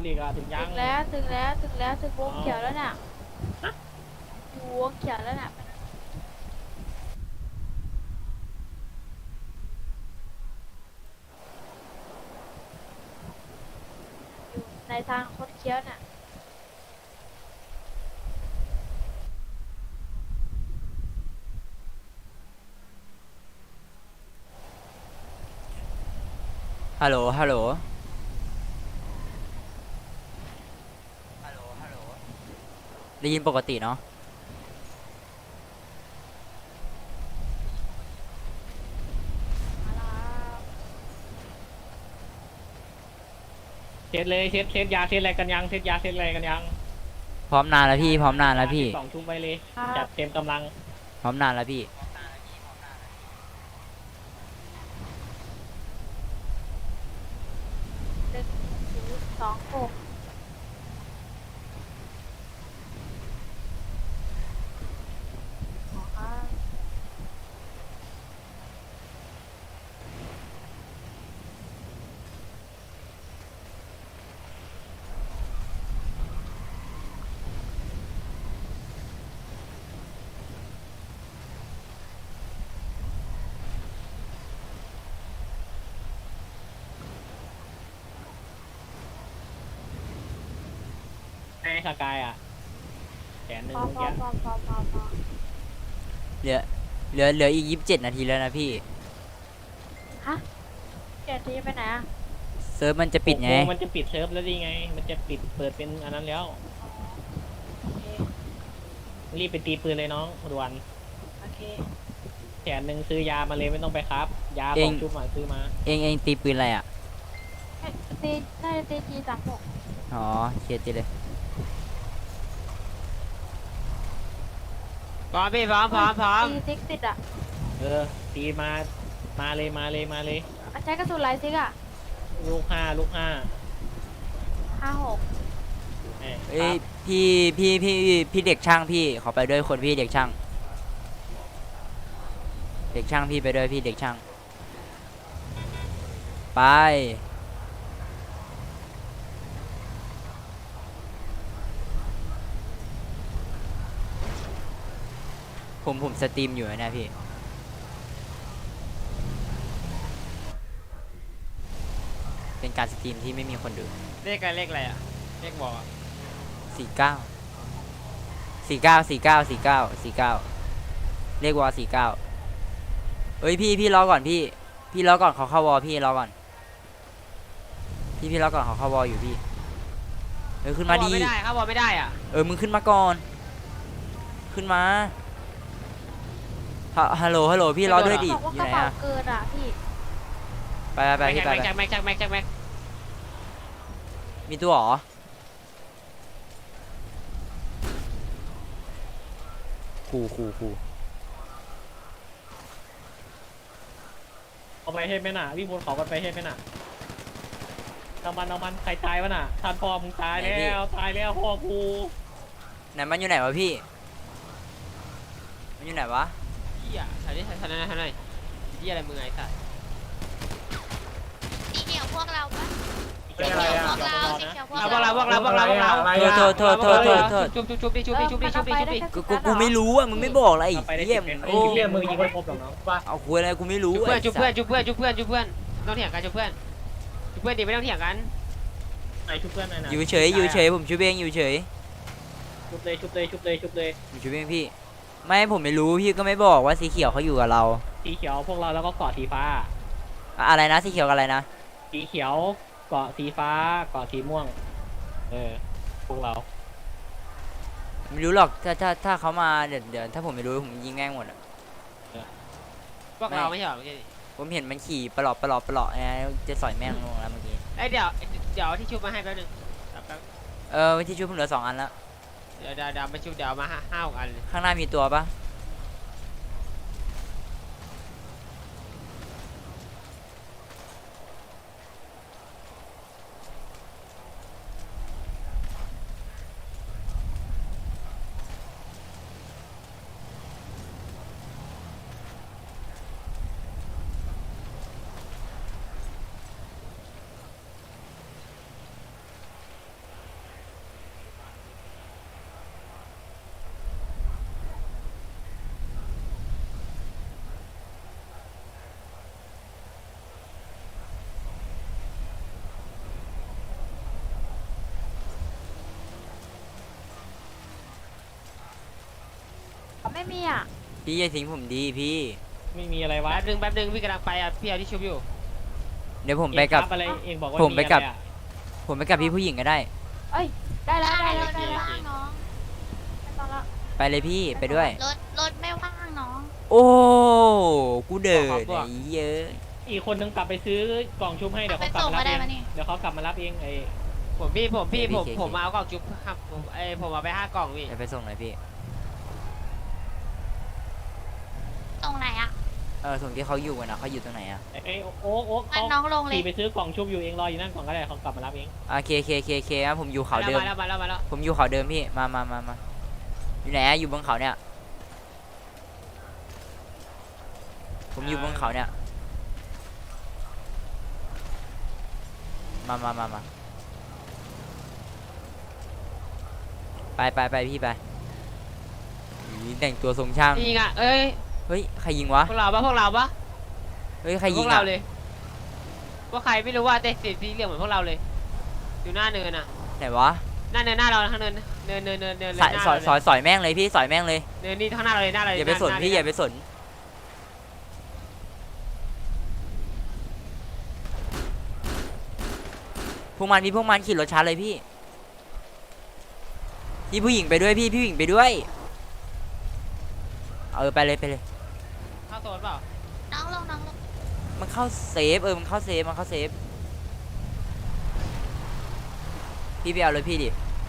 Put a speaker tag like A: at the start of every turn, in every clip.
A: ลีกอะถึงยัง
B: ถึงวงเขียวแล้วน่ะอยู่วงเขียวแล้วน่ะอยู่ในทางคดเคี้ยวน่ะ
C: ฮัลโหลฮัลโหลได้ยินปกติเนาะ
B: มาแล้ว
A: เช็ดเลยเช็ดยาเช็ดอะไรกันยังเช็ดยาเช็ดอะไรกันยัง
C: พร้อมนานแล้วพี่พร้อมนานแล้วพี่
A: 2 ทุ่มไปเลย
B: ครับ
A: จัดเต็มกำลัง
C: พร้อมนานแล้วพี่
B: 1026อ๋อครับ
A: ไอ้สกายอะแขนหนึ่ง
B: พอ
A: เมื่อ
B: พอ
A: กี้
B: พอ
C: เหลือเหลืออีก27 นาทีแล้วนะพี่
B: ฮะเดี๋ยวทีไปไหนอ่ะ
C: เซิร์ฟมันจะปิดไง
A: 6 โมงมันจะปิดเซิร์ฟแล้วดีไงมันจะปิดเปิดเป็นอันนั้นแล้ว
B: โอเค
A: รีบไปตีปืนเลยน้องด่วน
B: โอเค
A: แขนหนึ่งซื้อยามาเลยไม่ต้องไปครับยา
C: เอ
A: ส
C: ง
A: องชุดมาซื้อมา
C: เองตีปืนอะไรอ่ะ
B: ตีน่าจะตีG36
C: อ๋อเคลียร์ตีเลย
D: พร้อมพี่พร้อม
B: ตีซิกติดอ่ะ
A: ตีมาเลย
B: มันใช้กระสุนลายซิกอ่ะ
A: ลูกห้า
B: 56
C: เอ้ยพี่เด็กช่างพี่ขอไปด้วยคนพี่เด็กช่างพี่ไปด้วยพี่เด็กช่างไปผมสตรีมอยู่นะพี่เป็นการสตรีมที่ไม่มีคนดู
D: เลขอะไรอ่ะเลขบอกอ่ะ
C: 49เลขวอ49เอ้ยพี่รอก่อนพี่รอก่อนเขาเข้าวอพี่รอก่อนพี่รอก่อนเขาเข้าวออยู่พี่ขึ้นมาดี
D: ไม่ได้ครับบอกไม่ได้อ่ะ
C: มึงขึ้นมาก่อนขึ้นมาฮัลโหลพี่รอด้วยดิ
B: บอกว่า
C: อก ยู่
B: ระ
C: ไหน
B: เป๋า
C: อะ
B: เกินอ่ะพี่
C: ไปพี่ไป
D: แม็ก
C: มีตัวหรอคู
A: เอาไปให้แม่น่ะวิ่งบนเขากันไปให้แม่น่ะเอามันใครตายวะน่ะท่านพ่อมึงตายแล้วพ่อกู
C: ไหนมันอยู่ไหนวะพี่มันอยู่ไหนวะ
D: เหี้ยถ่ายดิถ่ายเหี้ยอะไรมึงไอ้สัส
E: สีเขียวพวกเราปะ
A: เป็นอะไรอ่ะ
E: สีเขียวพวก
D: เรา
E: เรา
D: พวกเรา
C: โทษ
D: ชุบดิ
C: กูไม่รู้อ่ะมึงไม่บอกอะไร
A: ไปได้
C: เยี่ยม
A: โอ้ยมึงยิงไม่ครบหรอกน้องว่า
C: เอาคุยอะไรกูไม่รู้
D: ชุบเพื่อนต้องเถียงกันชุบเพื่อนดิไม่ต้องเถียงกัน
A: ไอชุบเพื่อนหน่อยนะ
C: อยู่เฉยผมช่วยเองอยู่เฉย
A: ชุบเลย
C: ผมช่วยเองพี่ไม่ผมไม่รู้พี่ก็ไม่บอกว่าสีเขียวเขาอยู่กับเรา
A: สีเขียวพวกเราแล้วก็เกาะสีฟ้า
C: อะไรนะสีเขียวกับอะไรนะ
A: สีเขียวเกาะสีฟ้าเกาะสีม่วงพวกเรา
C: ไม่รู้หรอกถ้าเขามาเดี๋ยวถ้าผมไม่รู้ผมยิงแม่งหมดอ่ะ
D: พวกเราไม่ใช่หรอ
C: ผมเห็นมันขี่ปลอกนะจะสอยแม่งลงแล้วเมื่อกี้
D: ไอ้เดี๋ยวที่ชุบมาให้แป๊บนึง
C: วิธีช่วยผมเหลือ2 อันแล้ว
D: เดี๋ยวมาชุบเดี๋ยวมา5-6 อัน
C: ข้างหน้ามีตัวปะ
B: มีอ่ะ
C: พี่อย่าทิ้งผมดีพี่
A: ไม่มีอะไรวะ
D: แป๊บนึงพี่กำลังไปอ่ะพี่เอาที่ชุบอยู่
C: เดี๋ยวผมไปกับ
A: เองครับอะไรเองบอกว่า
C: ผมไปกับ
A: อะรอะ
C: ผมไปกับพี่ผู้หญิงก็ได้
B: เอ้ยได้แล้วได้
E: ร
B: แล้ว
E: ถ
B: ได้
E: ไม่
B: แล้ว
E: ว่างน้อง
B: ไม่ต้องละ
C: ไปเลยพี่ไปด้วย
E: รถไม่ว่างน้อง
C: โอ้กูเดินไอ้เยอะ
A: อีกคนนึงกลับไปซื้อกล่องชุบให้เดี๋ยวเขากลับมารับเองเดี๋ยวเขากลับมารับเองไอ้
D: ผมมาเอากล่องจุ๊บครับผมเอาไป5 กล่องพี่
C: จะไปส่งหน่อยพี่
E: ตรงไหนอ่ะ
C: ส่งที่เขาอยู่กันนะเขาอยู่ตรงไหนอะ
A: ไอ้โอ๊ก
E: งั้
A: เขา
E: นน้องลงเลย
A: ขี่ไปซื้อกล่องชุบอยู่เองรออยู่นั่นก่อนก็ได้เขากลับมารับเอง
C: เคนะผมอยู่เขาเดิม
D: มาแล้ว
C: ผมอยู่เขาเดิมพี่มาอยู่ไหนอะอยู่บนเขาเนี่ย ผมอยู่บนเขาเนี่ยมาไปพี่ไปอุ๊ยแต่งตัวทรงช่าง
D: ยิงอ่ะเอ้ย
C: เฮ้ยใครยิงวะ
D: พวกเราปะ
C: เฮ้ยใคร
D: พ
C: ยิ
D: ว
C: ง
D: กเรา
C: อะ
D: เลยว่าใครไม่รู้ว่าแต่สีเหลืองเหมือนพวกเราเลยอยู่หน้าเนินอ่ะ
C: ไหนวะ
D: หน้าเราข้างเนินเลย
C: สอยแม่งเลยพี่สอยแม่งเลย
D: เนินนี่ข้างหน้าเราเลยหน้าเราเลย
C: อย่าไปสนพี่อย่าไปสนพวกมันขี่รถช้าเลยพี่ผู้หญิงไปด้วยพี่ผู้หญิงไปด้วยไปเลย
D: เข้าโซนเปล่า
E: น้องลง
C: มันเข้าเซฟมันเข้าเซฟพี่ไปเอารถพี่ดิ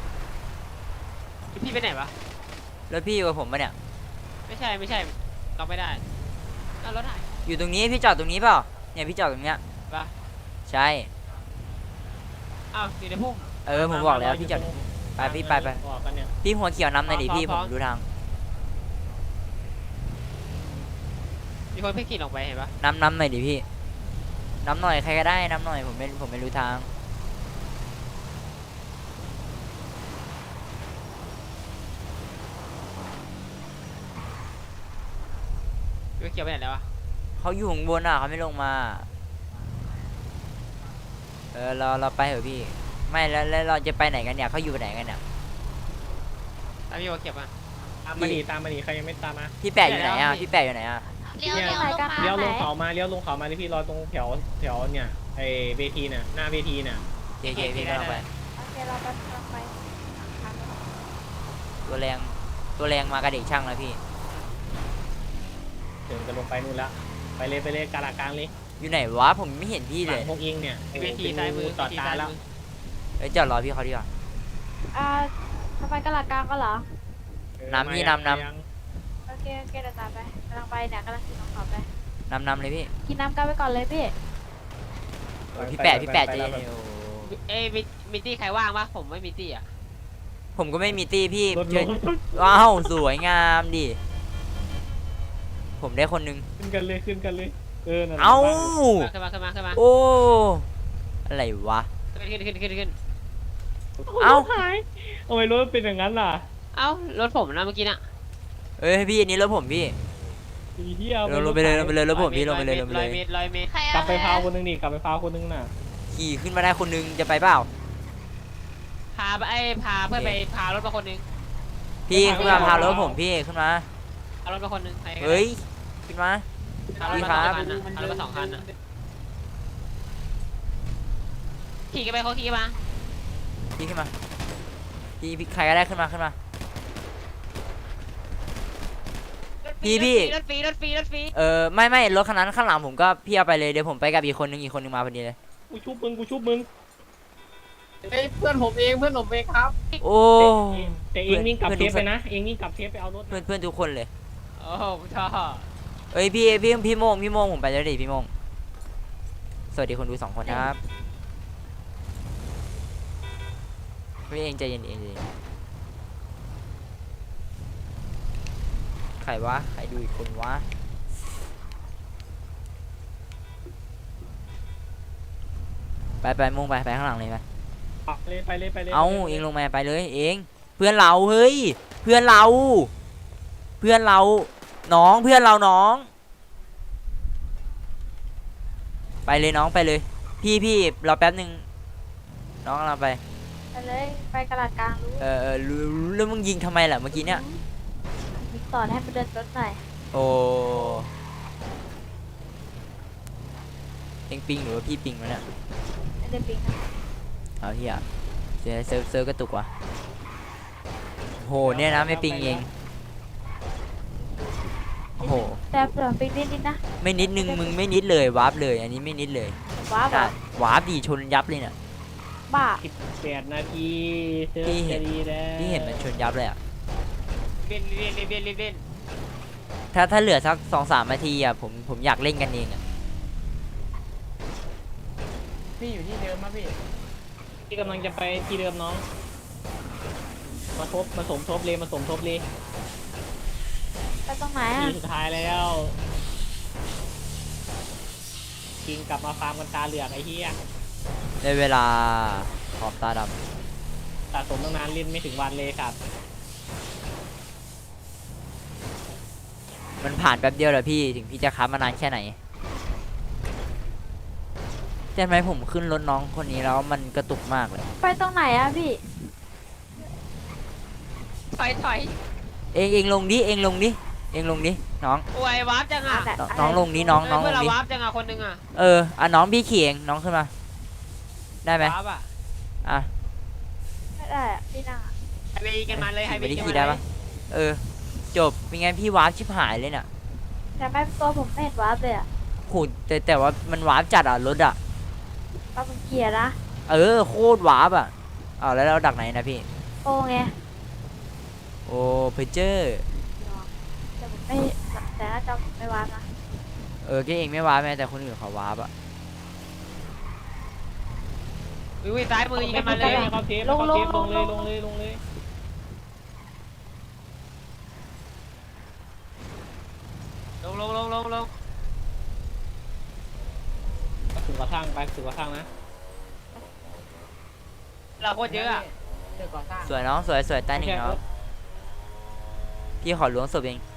D: พี่ไปไหนวะ
C: รถพี่อยู่กับผมปะเนี่ย
D: ไม่ใช่เราไม่ได้เอารถหาย
C: อยู่ตรงนี้พี่จอดตรงนี้เปล่าเนี่ยพี่จอดตรงเนี้ย
D: ปะ
C: ใช่
D: อ้าวอยู่ในพุ่ม
C: ผมบอกแล้วพี่จอดไปพี่ไป
A: บอกกันเนี่ย
C: พี่หัวเขียวนำหน่อยดิพี่ผมดูทาง
D: มีคนเพิ่งขี่ลงไปเห็นปะ
C: นำหน่อยดิพี่นำหน่อยใครก็ได้นำหน่อยผมไม่รู้ทาง
D: พี่เขียวไปไหนแล้ววะ
C: เขาอยู่ข้างบนเขาไม่ลงมาเราไปเถอะพี่ไม่แล้วเราจะไปไหนกันเนี่ยเขาอยู่ไหนกันเนี่ย
D: ตามพี่ว่าเขียวมา
A: ตามมาดิใครยังไม่ตามมา
C: พี่แปะอยู่ไหนอ่ะพี่แปะอยู่ไหนอ่ะ
E: เลี้ยวลงมา
A: เลี้ยวลงเขามาที่พี่รอตรงแถวเนี่ยไอ้เวทีเนี่ยหน้าเวทีเนี่ย
C: เคพี่กำลังไป
B: โอเคเราไปไป
C: ตัวแรงมากระเด็กช่างแล้วพี่
A: เดี๋ยวจะลงไปนู่นละไปเลยกาลากลางเลย
C: อยู่ไหนวะผมไม่เห็นพี่
A: ห
C: เล
A: ลั
C: ย
A: งพวกเองเนี่ย
D: เวทีซ้ายมือ
A: จอดตาแล้ว
C: จอดรอพี่เขาดีกว่า
B: ทำไมกระหลักกลางก็เหรอ
C: น้ำพี่นำ
B: โอเคเดี๋ยวตามไปกำลังไปเนี่ยกำลังขี่น้องเขาไป
C: นำเลยพี่
B: กินน้ำกันไปก่อนเลยพี่
C: พี่แปะใจเย็นโอ้
D: เอ้ยมีตี้ใครว่างปะผมไม่มีตี้อ่ะ
C: ผมก็ไม่มีตีพี่
A: รถ
C: เชิญว้าวสวยงามดิผมได้คนนึง
A: ขึ้นกันเลยนั่นแหละ
C: เอ้า
D: ขึ้นมา
C: โอ้อะไรวะ
D: ขึ้น
C: เอ้า
A: หายทำไมรถเป็นอย่างนั้นล่ะ
D: เอ้ารถผมนะเมื่อกี้น่ะ
C: พี่อันนี้รถผมพี่
A: อีเหี้ย
C: ลงไปเลยรถผมพี่ลงไปเลย
D: 100 เมตร
E: ใคร
A: กลับไปพาวคนนึงดิกลับไปพาวคนนึงน่ะ
C: ขี่ขึ้นมาได้คนนึงจะไปเปล่า
D: พาเพื่อนไปพารถมาคนนึง
C: พี่ขึ้นมาพารถผมพี่ขึ้นมา
D: พารถมาคนนึง
C: เฮ้ยขึ้นมา
D: พารถมาสองคันนะขี่กันไปเขาขี่มา
C: พี่ขึ้นมาพี่ใครก็ได้ขึ้นมา
D: รถฟรี
C: ไม่รถคันนั้นข้างหลังผมก็พี่เอาไปเลยเดี๋ยวผมไปกับอีกคนนึงมาพอดีเลย
A: กูชุบมึง
D: เฮ้ยเพื่อนผมเองครับ
C: โอ้
A: แต่เองวิ่งกลับเทปไปนะเองวิ่งกลับเทปไปเอารถ
C: เพื่อนทุกคนเลย
D: โอ้โหท่อ
C: เอ้ยพี่โมงผมไปแล้วดิพี่โมงสวัสดีคนดู2 คนครับพี่เองใจเย็นใครวะใครดูอีกคนวะไปโมงไปข้างหลังเลยไป
A: ไปเลย
C: เอาเองลงมาไปเลยเองเพื่อนเราเฮ้ยเพื่อนเราน้องเพื่อนเราน้องไปเลยน้องไปเลยพี่รอแป๊บนึงน้องกำลังไป
B: ไปเลยไปกระหลักกลางรู้
C: แล้วมึงยิงทำไมล่ะเมื่อกี้เนี่ย
B: มสอนให้มันเดินรถหน่อย
C: โอ้เอ็งปิงหรือว่าพี่ปิงวะเนี่ย
B: ไม่ได้ปิงนะ
C: เอาเฮียเซิร์ฟกระตุกว่ะโหเนี่ยนะไม่ปิงเองโอ้โห
B: แต่เผื่อปิงนิดๆนะ
C: ไม่นิดนึงมึงไม่นิดเลยวาร์ปเลยอันนี้ไม่นิดเลย
B: ว้าวแบบ
C: วาร์ปดีชนยับเลยเนี่ย
B: บ้า
A: 18 นาทีเซิร์ฟ
C: พี่เห็
A: จะ
C: น
A: ดีแล้ว
C: พี่เห็นมันชนยับเลยอ่ะ
D: เล่นเล่นเล่นเล่นเล่นเล่น
C: ถ้าเหลือสัก2-3 นาทีอ่ะผมอยากเล่นกันเองอ่ะ
F: พี่อยู่ที่เดิมมะพี่
A: ที่กำลังจะไปที่เดิมน้องมาสมทบเลยมาสมทบเลย
B: ไปตรงไหน
A: ที
B: อ่ะ
A: สุดท้ายแล้วกิงกลับมาฟาร์มกันตาเหลือกไอ้เหี้ย
C: ได้เวลาขอบตาด
A: สะสมตั้งนานเล่นไม่ถึงวันเลยครับ
C: ำมันผ่านแป๊บเดียวเหรอพี่ถึงพี่จะค้ามานานแค่ไหนใช่ไหมผมขึ้นรถน้องคนนี้แล้วมันกระตุกมากเลย
B: ไปตรงไหนอ่ะพี่
D: ถอย
C: เองลงดิเองลงดิน้อง
D: โอ้ยวาร์ปจังอ่ะ
C: น้องลงดิน้องล
D: เพื่อน
C: ง
D: เรา
C: ดิ
D: วาร์ปจังอ่ะคนหนึงอ่ะ
C: น้องพี่ขี่เองน้องขึ้นมาได้ไหม
D: วาร์ปอ่ะ
C: อ่ะ
B: ไม่ได้อ่ะพี่นั่งอ่ะ
D: ไฮเวย์กันมาเลยไฮเว
C: ไม่
D: ย์
C: ได้
D: กัน
C: ขี่
D: มา
C: ได้
D: เล
C: ปะ
D: ย
C: จบเป็นไงพี่วาร์ปชิบหายเลยเนี่ย
B: แต่ไม่ตัวผมไม่เห็นวาร์ปเลยอ่ะ
C: โหแต่ว่ามันวาร์ปจัดอ่ะรถอ่ะ
B: วาร์ปมันเกียร์นะ
C: โคตรวาร์ปอ่ะแล้วเราดักไหนนะพี่
B: โอ้ไง
C: โอ้เพเจอร์
B: แต่ผมไม่แต่น่าจะไม่วาร์ปนะ
C: แกเองไม่วาร์ปแม้แต่คนอื่นเขาวาร์ปอ่ะ
D: อุ้ยซ้ายมือยิงกันมาเลย
A: เขาเทปลงเลยลงเลย
D: ลง
A: ถึงกระทั่งไปถึงกระทั่งนะ
D: เราโคตรเยอะอ่ะ
F: เดี๋ยวก่อสร้าง
C: สวยน้องสวยใต้หนึ่งน้องพี่ขอล้วงศพเอง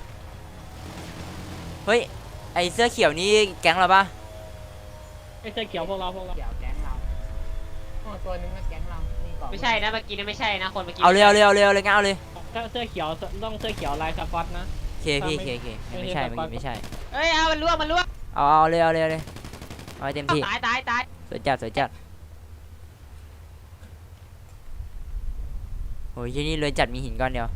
C: เฮ้ยไอเสื้อเขียวนี่แก๊งเราปะ
A: ไม่ใช่เกี่ยวพวกเรา
F: เดี๋ยวแก๊งเราโอ้ตัวนึงมันแก๊งเรานี่ก่อน
D: ไม่ใช่นะเมื่อกี้นะไม่ใช่นะคนเมื่อกี้
C: เอาเลยงั้นเอาเลย
A: ถ้าเสื้อเขียวต้องเสื้อเขียวลายสก๊อตนะ
C: เคไม่ใช่ไม่ใช่
D: เอ้ยเอามันล่วงเอา
C: เลยเอาให้เต็มที่
D: ตาย
C: สวยจัดโอ้ยที่นี่เลยจัดมีหินก้อนเดียว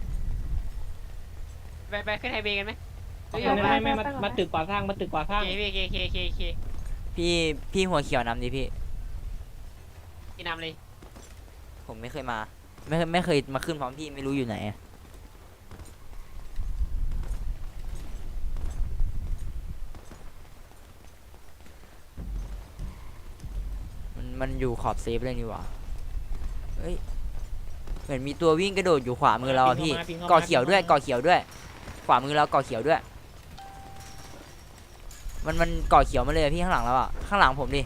D: ไปขึ้นไฮเวย์กันไหม
A: ไม่มาตึกก่อสร้างมาตึกก่อสร้าง
D: เค
C: พี่หัวเขียวนำดิพี่
D: กินนำเลย
C: ผมไม่เคยมาไม่เคยมาขึ้นพร้อมพี่ไม่รู้อยู่ไหนอะมันอยู่ขอบเซฟเลยนี่หว่าเฮ้ยเหมือนมีตัววิ่งกระโดดอยู่ขวามือเราอะพี่ก่อเขียวด้วยขวามือเราก่อเขียวด้วยมันก่อเขียวมาเลยอะพี่ข้างหลังเราอะข้างหลังผมดิ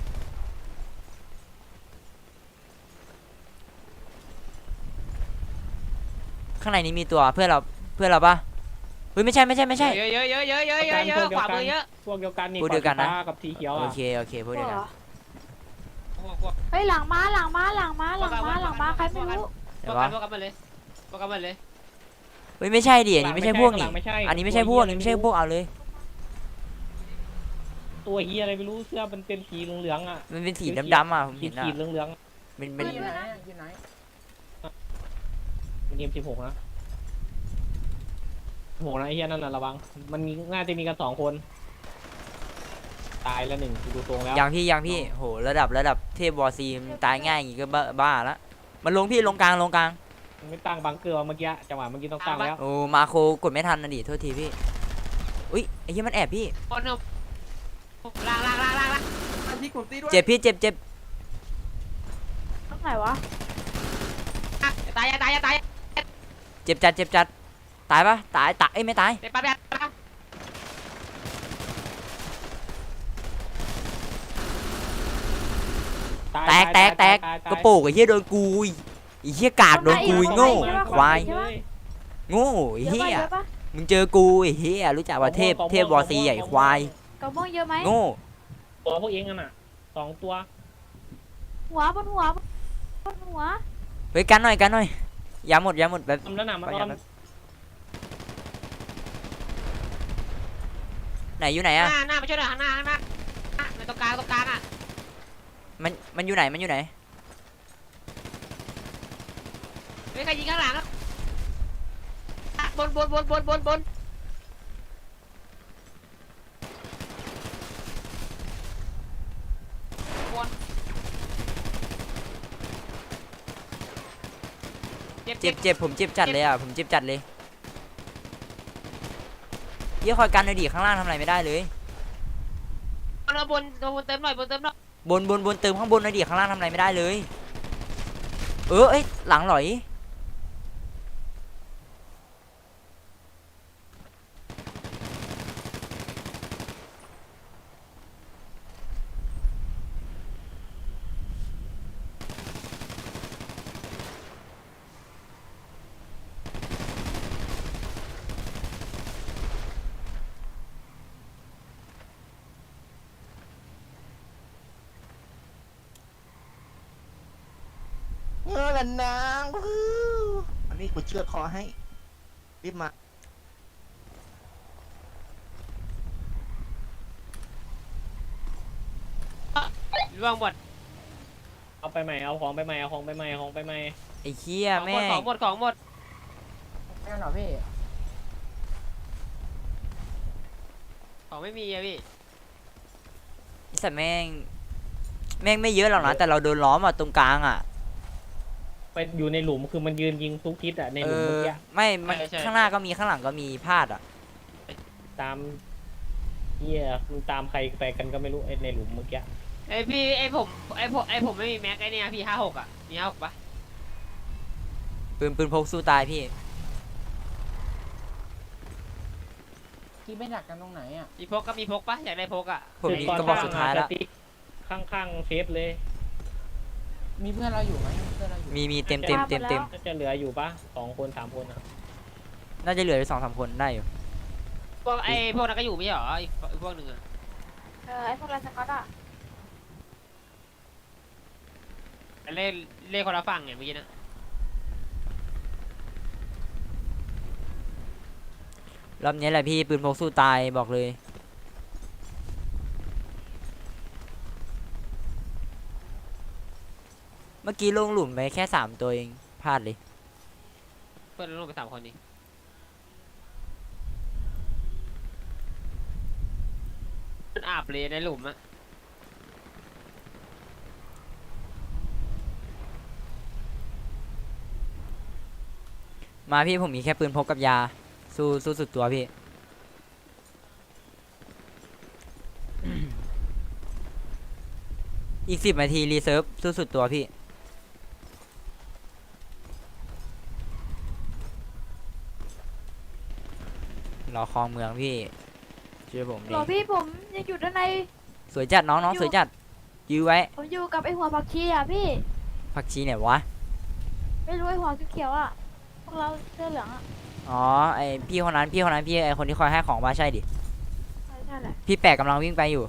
C: ข้างในนี้มีตัวเพื่อนเราปะเฮ้ยไม่ใช่
D: เยอะขวามือเยอะ
A: พวกเดียวกันนี่
C: พวกเดียวกันนะ
A: กับสีเขียว
C: โอ
A: อ่ะ
C: เคพวกเดียวกัน
B: เฮ้ยหลังมาใครไม่รู้
C: เดี๋ยววะ
D: พวกกันมาเลย
C: เฮ้ยไม่ใช่ดิอันนี้ไม่ใช่พวกนี่
A: ไม่ใช่
C: อันนี้ไม่ใช่พวกเอาเลย
A: ตัวเฮียอะไรไม่รู้เสื้อมันเป็นสีเหลืองๆอ่ะ
C: มันเป็นสีดำๆอ่ะผม
A: สี
C: เห็นอ่ะ
A: ขีดเหลือง
C: เป็น
F: อยู่ไหนอะอยู่ไหน
A: ๆเป็นM16นะ16นะไอ้เฮียนั่นน่ะระวังมันน่าจะมีกัน2 คนตายแล้ว1ดูตรงแล้ว
C: ยังพี่โหระดับเทพวอร์ซีมันตายง่ายอย่างงี้ก็บ้าละมันลงพี่ลงกลาง
A: ไม่ตั้งบังเกอร์เมื่อกี้จังหวะเมื่อกี้ต้องตั้งแล้ว
C: โอ้มาโคกดไม่ทันนะดิโทษทีพี่อุ้ยไอ้เหี้ยมันแอบพี่
D: คนหนึ่งล่าง
F: ที่กลุ่มตีด้วย
C: เจ็บพี่เจ็บ
B: ตรงไหนวะ
D: ตาย
C: เจ็บจัดตายปะตายเอ้ยไม่ตาย
D: ไปปั๊บ
C: แตกกระโปงไอ้เหี้ยโดนกูไอ้เหี้ยกากโดนกูโง่ควายโง่ไอ้เหี้ย
B: เยอะปะ
C: มึงเจอกูไอ้เหี้ยรู้จักว่าเทพวอร์ซีใหญ่ควาย
B: กระม่วงเยอะไหม
C: โง่
A: ตัวพวกเองกันน่ะ2 ตัว
B: หัวบนหัว
C: เฮ้ยกันหน่อยยาหมดแบบ
A: ทำแล้วน่ะมันอ้อม
C: ไหนอยู่ไหน
D: ห
C: อะ
D: น้ามาช่วยหน่อยข้างหน้าในตรงกลางอ่ะ
C: มันอยู่ไหนมันอยู่ไหน
D: ไม่ใครยิงข้างหลังอ่ะบนเจ็บ
C: เจ็บผมเจ็บจัดเลยอะผมเจ็บจัดเลยพี่คอยกันหน่อยดิข้างล่างทำอะไรไม่ได้เลย
D: บนเติมหน่อย
C: บนเติมข้างบนหน่อยดิข้างล่างทำอะไรไม่ได้เลยเอ้ยหลังหลอย
G: ละนางอันนี้กูเชือดคอให้รีบมา
D: ร่วงหมด
A: เอาไปใหม่เอาของไปใหม่เอาของไปใหม่เอาของไปใหม่
C: ไอ้เหี้ยแม่ง
D: ของหมด
F: แม่งเหรอพี่
D: ของไม่มีอะพี่
C: ไอ้สัตว์แม่งไม่เยอะหรอกนะแต่เราโดนล้อมอะตรงกลางอะ
A: ไปอยู่ในหลุมคือมันยืนยิงทุกทิศอ่ะในหลุมเมื่อกี้
C: ไม่มันข้างหน้าก็มีข้างหลังก็มีพลาดอะ
A: ตามเหี้ยมึงตามใครไปกันก็ไม่รู้ไอ้ในหลุมเมื่อกี้
D: ผมไม่มีแม็กไอ้เนี่ยพี่56อ่ะมี56ปะ
C: ปืนพกสู้ตายพี่
F: ที่ไม่ดักกันตรงไหนอ่ะ
D: มีพกปะอยากได้พกอ่ะ
C: ผมมี
A: ตอน
C: กระบอกสุดท้ายแล้ว
A: ข้างๆเซฟเลย
F: มีเพื่อนเราอยู่ไหมมีเพื่อนเราอยู่
C: มีเต็ม
A: น่าจะเหลืออยู่ปะ2 คน3 คนอ่ะ
C: น่าจะเหลืออยู่2-3 คนได้อยู่
D: พวกนั้นก็อยู่ไม่ใช่เหรออีกพวกหนึ่งอ่ะ
B: ไอ้พวกไรสก๊อตอะ
D: เล่คนละฝั่งไงเมื่อกี้นะ
C: รอบนี้แหละพี่ปืนพกสู้ตายบอกเลยเมื่อกี้ลงหลุมไปแค่3 ตัวเองพลาดเลย
D: เพื่อนลงไป3 คนนี้มันอาบเลยในหลุมอ่ะ
C: มาพี่ผมมีแค่ปืนพกกับยาสู้สุดตัวพี่ อีก10 นาทีรีเซิร์ฟสู้สุดตัวพี่รอคลองเมืองพี่เชื่อผมดิ
B: หรอพี่ผมยังอยู่ด้านใน
C: สวยจัดน้องสวยจัดยื้อไว้
B: ผมอยู่กับไอ้หัวผักชีอะพี่
C: ผักชีไหนวะ
B: ไม่รู้ไอ้หัวเขียวๆอะพวกเราเสื้อเหลืองอะ
C: อ๋อไอพี่คนนั้นพี่ไอคนที่คอยให้ของว่าใช่ดิ
B: ใช่แหละ
C: พี่แปะกำลังวิ่งไปอยู่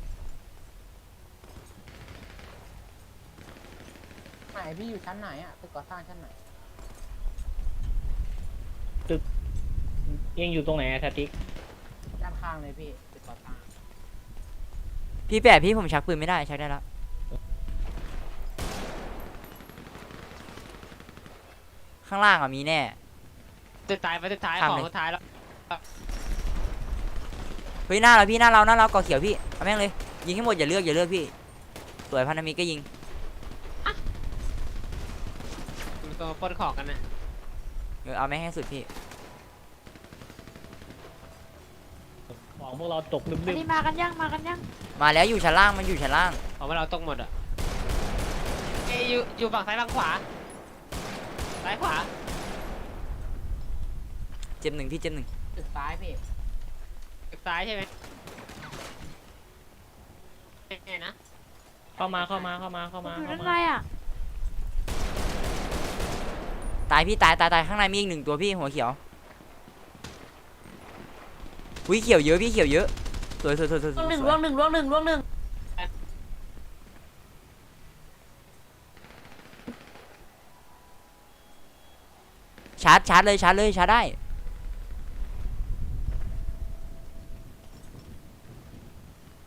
F: ไหนพี่อยู่ชั้นไหนอ่ะตึกก่อสร้างชั้นไหน
A: ยังอยู่ตรงไหนอะทาติก
F: ด้านข้างเลยพี่ตึกก่อสร้าง
C: พี่แปะพี่ผมชักปืนไม่ได้ชักได้แล้วข้างล่างอ่ะมีแน่
D: สุดท้าย
C: ทำเลย
D: ของสุดท้ายแล้ว
C: เฮ้ยหน้าเราพี่หน้าเราก่อเขียวพี่เอาแม่งเลยยิงให้หมดอย่าเลือกพี่สวยพันธมิตรก็ยิง
D: ตัวปล้นของกันนะ
C: เอาแม่งให้สุดพี่
A: ของพวกเราตกลึ
B: อัน
A: ก
B: นี้มากันยัง
C: มาแล้วอยู่ชั้นล่างมันอยู่ชั้นล่าง
D: ของเราตกหมดอ่ะอยู่ฝั่งซ้ายฝั่งขวาซ้ายขวา
C: เจ็บ 1พี่เจ็บ 1
F: ตึกซ้ายพี่
D: ซ้ายใช่ไหมแน่นะ
A: ๆเข้ามา
B: ผมอยู่ด้านในอะ
C: ตายพี่ตายข้างในมีอีก1 ตัวพี่หัวเขียวอุ้ยเขียวเยอะพี่เขียวเยอะสวย
B: ล่วงหนึ่ง
C: ชาร์จเลยชาร์จได้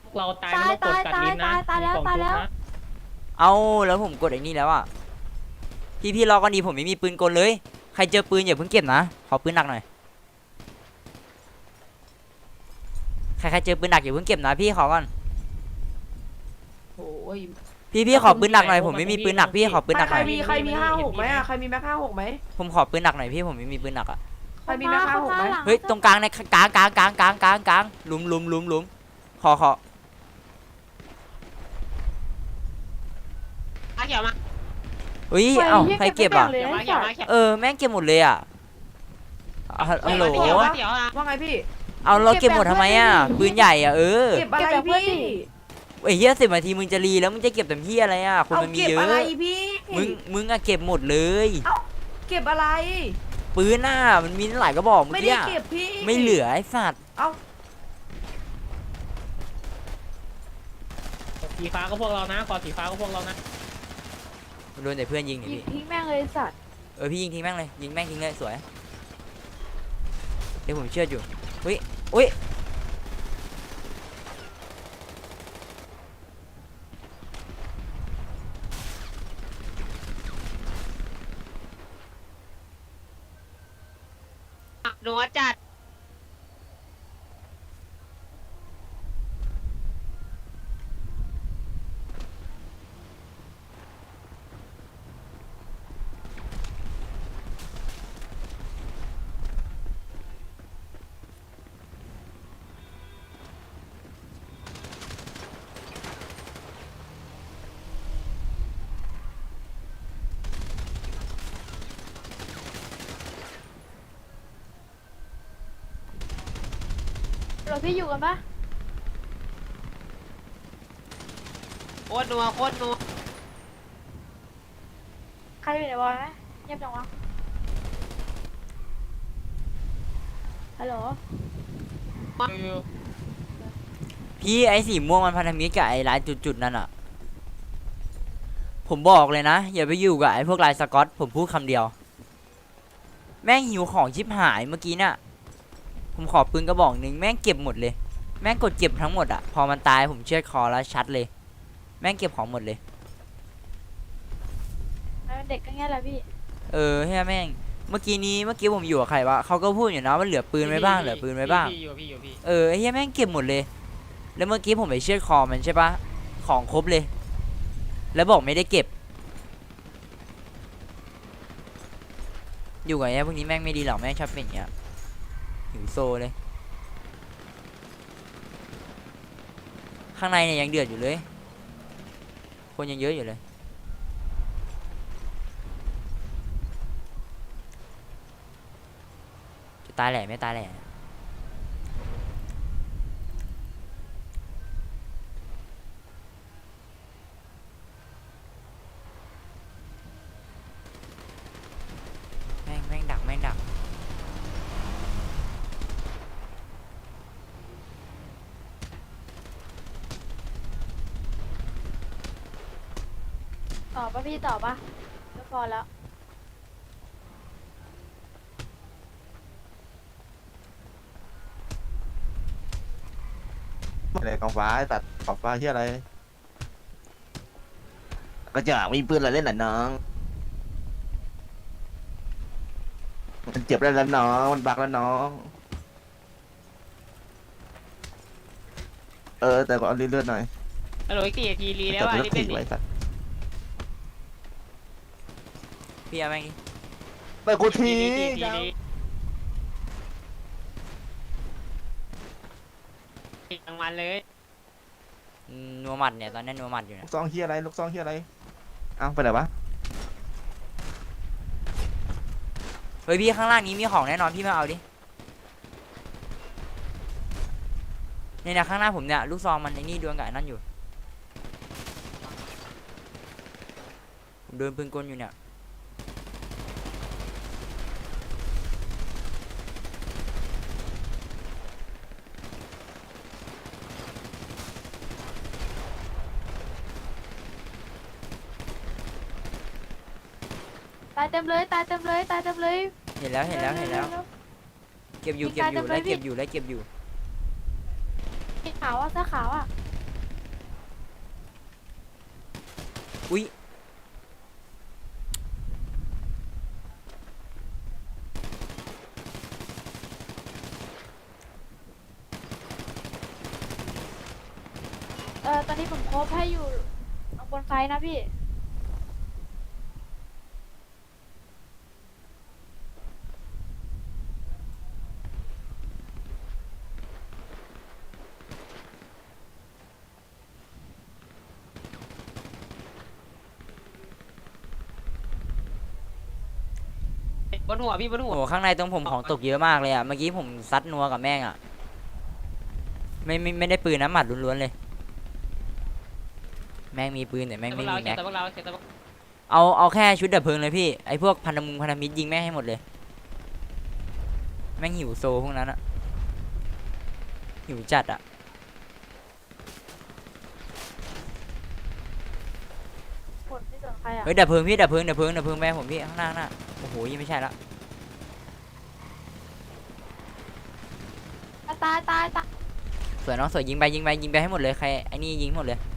A: เราตายไม่ต้องกดกัดลิ้นนะ
B: ตายแล้ว
A: มีกล่อง
B: ตายแล้ว
A: ชุบนะ
C: เอาแล้วผมกดไอ้นี่แล้วอ่ะพี่รอก่อนดีผมไม่มีปืนกลเลยใครเจอปืนอย่าเพิ่งเก็บนะขอปืนหนักหน่อยใครเจอปืนหนักอย่าเพิ่งเก็บนะพี่ขอก่อน
F: โอ้ย
C: พี่ขอปืนหนักหน่อยผมไม่มีปืนหนักพี่ขอปืนหนักห
F: ใคร
C: น่อย
F: มี56ไหมอ่ะใครมีแม็ก56ไหม
C: ผมขอปืนหนักหน่อยพี่ผมไม่มีปืนหนักอ่ะ
F: ใครมีแม็ก56ไหม
C: เฮ้ยตรงกลางในกลางหลุมขอ
D: มาเขียวมา
C: เฮ้ยเอ้าใครเก็บอ่ะ
D: เขียวมาเขียวมาเขียว
C: แม่งเก็บหมดเลยอ่ะฮัลโหล
D: เขียวมาเขียวมา
F: ว่าไงพี่
C: เอาเราเก็บหมดทำไมอ่ะปืนใหญ่อ่ะ
F: เก็บอะไรพี่
C: ไอ้เหี้ย10 นาทีมึงจะรีแล้วมึงจะเก็บแต่เหี้ยอะไรอ่ะคน
F: เอา
C: มันมี
F: เก็บ
C: เยอะ
F: อะไรพี่
C: มึงอะเก็บหมดเลย
F: เก็บอะไร
C: ปืนน่ะมันมีหลายกระบอกเมื่อ
F: ไม่
C: กี้
F: ได้เก็บพี่
C: ไม่เหลือไอ้สัตว์
F: เอ้า
A: สีฟ้าก็พวกเรานะคอสีฟ้าก็พวกเรานะ
C: โดนแต่เพื่อนยิง
B: ยิ
C: นี่
B: ง
C: พี่
B: ทิ้งแม่งเลยสัตว์
C: พี่ยิงทิ้งแม่งเลยยิงแม่งทิ้งเลยสวยเดี๋ยวผมเชื่ออยู่อุ้ย
D: หนัวจัด
B: เราพี่อยู่กันปะ
D: โคตรนัวโคตรนัว
B: ใครอยู่ในบอลไหมเงียบจังวะฮัลโหล
C: พี่ไอ้สีม่วงมันพันธมิตรกับไอ้ลายจุดๆนั่นอ่ะผมบอกเลยนะอย่าไปอยู่กับไอ้พวกลายสก๊อตผมพูดคำเดียวแม่งหิวของชิบหายเมื่อกี้เนี่ยผมขอปืนกระบอกหนึ่งแม่งเก็บหมดเลยแม่งกดเก็บทั้งหมดอ่ะพอมันตายผมเชือดคอแล้วชัดเลยแม่งเก็บของหมดเลย
B: เด็กก็เงี้ยแหละพี่
C: เฮ้ยแม่งเมื่อกี้ผมอยู่กับใครวะเขาก็พูดอยู่นะว่าเหลือปืนไว้บ้างเหลือปืนไว้บ้าง
D: พี่อยู่พี่
C: ไอ้เหี้ยแม่งเก็บหมดเลย แล้วเมื่อกี้ผมไปเชือดคอมันใช่ปะของครบเลย แล้วบอกไม่ได้เก็บ อยู่กับไอ้พวกนี้แม่งไม่ดีหรอกแม่งชอบเป็นอย่างเงี้ยหิวโซเลย ข้างในเนี่ยยังเดือดอยู่เลย คนยังเยอะอยู่เลย จะตายแหล่ไม่ตายแหล่แม่งดัก
B: ต่อปะพี่ต่อปะก็พอแล้ว
G: อะไรกองฟ้าตัดกองฟ้าที่อะไรก็จะมีปืนอะไรเล่นหน่ะน้องมันเจ็บแล้วน้องมันบักแล้วน้องแต่ก็เอาเลือดหน่อย
D: ฮัลโหลอีก4 นาทีรีแล้ว
G: แต่
D: อ่ะ
G: เลือ
D: รี
G: ด
D: บเล่
G: ตี
D: นดิ
G: ไว้สัตว์
C: พี่เอาแม่งดิ
G: ไปกูที
D: รางวัลเลย
C: นัวหมัดเนี่ยตอนนี้นัวหมัดอยู่
G: ลู
C: เนี่ย
G: กซองเฮียอะไรลูกซองเฮียอะไรเอ้าไปไหนวะ
C: เฮ้ยพี่ข้างล่างนี้มีของแน่นอนพี่มาเอาดิเนี่ยนะข้างหน้าผมเนี่ยลูกซองมันไอ้นี่ดวลกับไอ้นั่นอยู่ผมเดินปืนกลอยู่เนี่ย
B: ตายเต็มเลยตายเต็มเลยตายเต็มเลย
C: เห็นแล้วเก็บอยู่
B: มีการ
C: ไล่
B: จำเลย
C: เก็บอยู่
B: สีขาวอ่ะเสื้อขาวอ่ะ
C: อุ้ย
B: ตอนนี้ผมโคบให้อยู่บนไฟนะพี่
D: บนหัวพี่บนหัว
C: โอ้โหข้างในตรงผมของตกเยอะมากเลยอ่ะเมื่อกี้ผมซัดนัวกับแม่งอ่ะไม่ได้ปืนนะหมัดล้วนๆเลยแม่งมีปืนแต่แม่ง
D: พว
C: ไม่
D: กเรา
C: มี
D: เก็บ
C: แม็ก
D: แต่พวกเราเก็บแต่พวก
C: เอาแค่ชุดดับเพลิงเลยพี่ไอพวกพันธมิตรยิงแม่งให้หมดเลยแม่งหิวโซพวกนั้นอ่ะหิวจัดอ่ะ
B: ผลไม่สนใครอ่ะ
C: เฮ้ยดับเพลิงพี่ดับเพลิงแม่ผมพี่ข้างหน้าโอ้โหยังไม่ใช่ละ
B: ตายตายตาย
C: สวยน้องสวยยิงไปให้หมดเลยใครไอ้นี่ยิงหมดเลย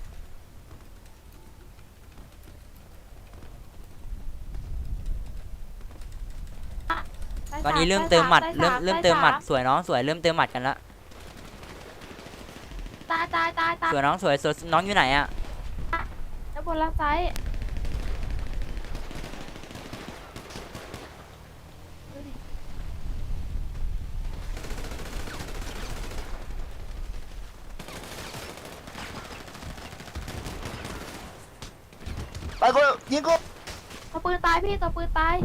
C: ตอนนี้เริ่มเติมหมัดเริ่มเติมหมัดสวยน้องสวยเริ่มเติมหมัดกันละ
B: ตายตายตายตาย
C: สวยน้องสวยน้องอยู่ไหนอ่ะ
B: แล้วบนละไซส์ดูดิ
G: ไปกูยิงกู
B: ตัวปืนตายพี่ตัวปืนตาย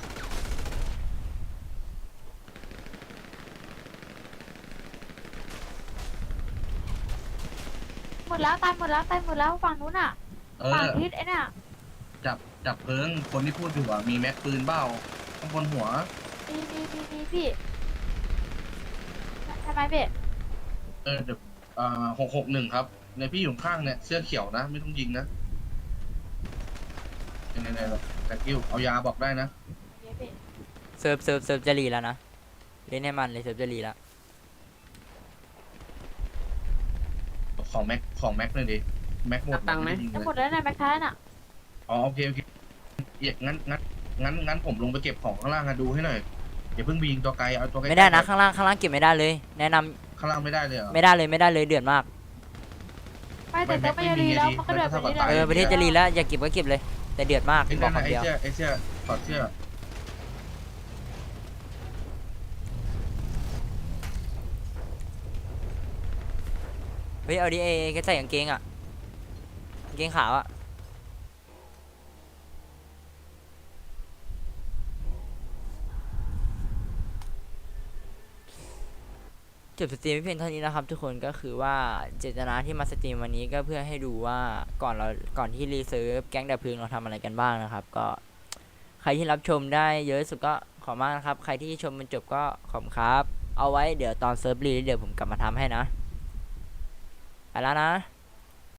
B: หมดแล้วตายหมดแล้วฝั่งนู้นอ่ะ
H: เอ
B: ฝั่ง
H: อ
B: ทิศไอ้เนี่ย
H: จับเพลิงคนที่พูดอยู่อ่ะมีแม็กปืนเบ้าข้างบนหัว
B: มีพี่ทำไมพี่
H: เออเดี๋ยว661ครับในพี่อยู่ข้างเนี่ยเสื้อเขียวนะ ไม่ต้องยิงนะไหนๆแต่กิ้วเอายาบอกได้นะ
B: เดี๋ยวพี่
C: เซิร์ฟจะรีแล้วนะเล่นให้มันเลยเซิร์ฟจะรีแล้ว
H: ของแม็กเลยดิแม็กหมด
D: ตังค์ไหม
H: ด้ยิง
B: จะ
H: เลย
B: หมดแล้วนะแม็กท้ายน่ะ
H: อ๋อโอเคงั้นผมลงไปเก็บของข้างล่างอะดูให้หน่อยอย่าเพิ่งไปยิงตัวไกลเอาตัวไกล
C: ไม่ได้นะข้างล่างเก็บไม่ได้เลย แนะนำ
H: ข้างล่างไม่ได้เลยเหรอ
C: ไม่ได้เลยเดือดมาก
B: ไม่แต่ต้องไปรีแล้วมันก็เดือดแบบนี้แหละ
C: ประเทศจะรีแล้วอย่าเก็บก็เก็บเลย แต่เดือดมาก
H: ไอ้
C: บอ
H: นั่
C: ก
H: น
C: คำเดียว
H: ไอ้เสื้อถอดเสื้อ
C: เฮ้ยเอาดิแกใส่กางเกงอ่ะกางเกงขาวอ่ะจบสตรีมไม่เพียงเท่านี้นะครับทุกคนก็คือว่าเจตนาที่มาสตรีมวันนี้ก็เพื่อให้ดูว่าก่อนที่รีเซิร์ฟแก๊งดับเพลิงเราทำอะไรกันบ้างนะครับก็ใครที่รับชมได้เยอะสุดก็ขอบมากนะครับใครที่ชมมันจบก็ขอบคุณครับเอาไว้เดี๋ยวตอนเซิร์ฟรีเดี๋ยวผมกลับมาทำให้นะไปแล้วนะ